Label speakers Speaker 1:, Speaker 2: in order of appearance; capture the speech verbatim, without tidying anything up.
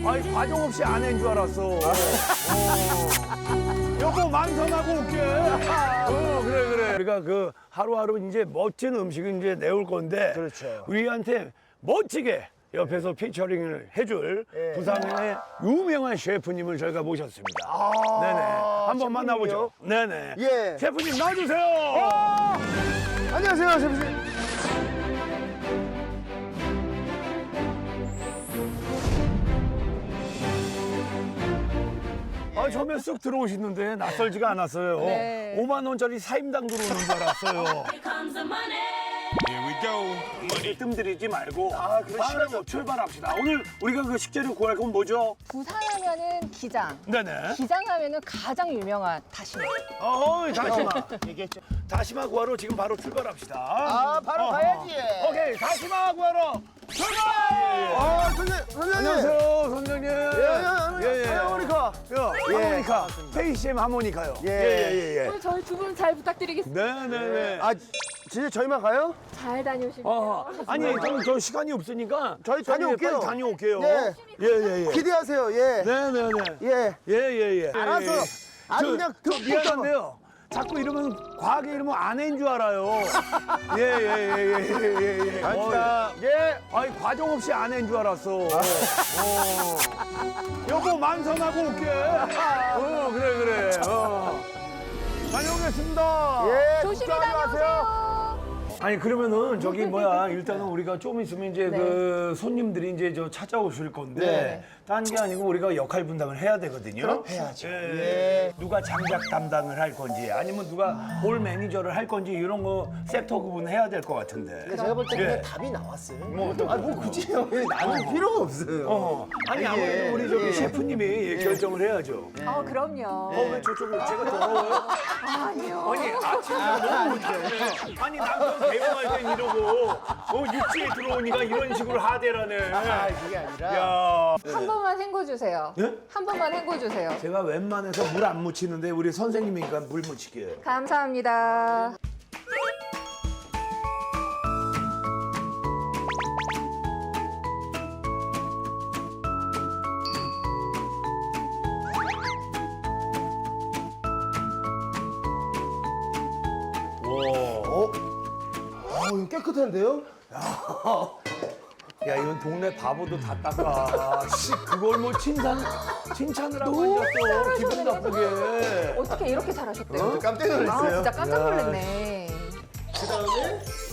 Speaker 1: 아니 과정 없이 아내인 줄 알았어. 어. 여보 만선하고 올게. 어 그래 그래. 우리가 그 하루하루 이제 멋진 음식을 이제 내올 건데.
Speaker 2: 그렇죠.
Speaker 1: 우리한테 멋지게 옆에서 피처링을 해줄
Speaker 2: 예.
Speaker 1: 부산의 유명한 셰프님을 저희가 모셨습니다.
Speaker 2: 아,
Speaker 1: 네네. 한번
Speaker 2: 셰프님이요?
Speaker 1: 만나보죠. 네네.
Speaker 2: 예.
Speaker 1: 셰프님 나와주세요.
Speaker 2: 어! 안녕하세요, 셰프님.
Speaker 1: 아, 처음에 쑥 들어오시는데 낯설지가 않았어요.
Speaker 3: 네.
Speaker 1: 오만 원짜리 사임당 들어오는 줄 알았어요.
Speaker 4: Here we go.
Speaker 1: 뜸들이지 말고
Speaker 2: 아, 그러시죠.
Speaker 1: 빠르게 출발합시다. 오늘 우리가 그 식재료 구할 건 뭐죠?
Speaker 3: 부산하면은 기장.
Speaker 1: 네네.
Speaker 3: 기장하면은 가장 유명한 다시마.
Speaker 1: 어이, 다시마.
Speaker 2: 얘기했죠.
Speaker 1: 다시마 구하러 지금 바로 출발합시다.
Speaker 2: 아, 바로
Speaker 1: 어허.
Speaker 2: 가야지.
Speaker 1: 오케이, 다시마 구하러 출발!
Speaker 2: 아, 선생님, 선생님.
Speaker 1: 안녕하세요, 선생님.
Speaker 2: 예, 예, 예. 하모니카.
Speaker 1: 야,
Speaker 2: 예.
Speaker 1: 하모니카. 페이시엠 하모니카요.
Speaker 2: 예.
Speaker 1: 예, 예,
Speaker 3: 오늘 저희 두 분 잘 부탁드리겠습니다.
Speaker 1: 예. 네네네.
Speaker 2: 아, 진짜 저희만 가요?
Speaker 3: 잘 다녀오시고요.
Speaker 1: 어, 아니, 좀 저 시간이 없으니까
Speaker 2: 저희
Speaker 1: 저기
Speaker 2: 다녀올게요.
Speaker 1: 빨리 다녀올게요.
Speaker 2: 네.
Speaker 1: 예, 예, 예.
Speaker 2: 기대하세요, 예.
Speaker 1: 네네네.
Speaker 2: 예.
Speaker 1: 예, 예, 예.
Speaker 2: 알았어.
Speaker 1: 예, 예.
Speaker 2: 아주
Speaker 1: 저,
Speaker 2: 그냥
Speaker 1: 저
Speaker 2: 툭
Speaker 1: 미안한데요. 자꾸 이러면 과하게 이러면 아내인 줄 알아요. 예, 예, 예, 예, 예, 예, 예.
Speaker 2: 아닙니다.
Speaker 1: 어이, 예. 아니, 과정 없이 아내인 줄 알았어. 어. 여보, 만선하고 올게. 어, 그래, 그래. 어. 다녀오겠습니다.
Speaker 2: 예,
Speaker 3: 조심히
Speaker 2: 걱정하지 마세요.
Speaker 3: 다녀오세요.
Speaker 1: 아니 그러면은 저기 뭐야 일단은 우리가 좀 있으면 이제
Speaker 3: 네.
Speaker 1: 그 손님들이 이제 저 찾아오실 건데
Speaker 2: 네.
Speaker 1: 딴 게 아니고 우리가 역할 분담을 해야 되거든요.
Speaker 2: 해야죠.
Speaker 1: 예.
Speaker 2: 예.
Speaker 1: 누가 장작 담당을 할 건지 아니면 누가 홀 매니저를 할 건지 이런 거 섹터 구분해야 될 것 같은데.
Speaker 2: 제가 볼 때
Speaker 1: 예.
Speaker 2: 그냥 답이 나왔어요.
Speaker 1: 뭐 어떤
Speaker 2: 아, 뭐 굳이 형이 나눌 필요가 없어요.
Speaker 1: 어. 아니
Speaker 2: 예.
Speaker 1: 아무래도 우리 저기
Speaker 2: 예.
Speaker 1: 셰프님이 예, 결정을 해야죠.
Speaker 3: 아, 그럼요.
Speaker 1: 어 왜 저쪽으로 제가 더러워요?
Speaker 3: 아니요.
Speaker 1: 아니 아침에 너무 못하네. 아니 남편 대응할 땐 이러고 어 육지에 들어오니까 이런 식으로 하대라네.
Speaker 2: 아, 그게 아니라.
Speaker 1: 야.
Speaker 3: 한 번만 헹궈 주세요.
Speaker 1: 예?
Speaker 3: 한 번만 헹궈 주세요.
Speaker 1: 제가 웬만해서 물 안 묻히는데 우리 선생님이니까 물 묻히게.
Speaker 3: 감사합니다.
Speaker 2: 어? 아, 이거 깨끗한데요?
Speaker 1: 야 이건 동네 바보도 다 닦아. 씨 그걸 뭐 칭찬 칭찬을 하고 앉았어. 기분 나쁘게.
Speaker 3: 어떻게 이렇게 잘하셨대요?
Speaker 2: 깜짝
Speaker 3: 아,
Speaker 2: 놀랐어요.
Speaker 3: 진짜 깜짝
Speaker 1: 야.
Speaker 3: 놀랐네.
Speaker 2: 그 다음에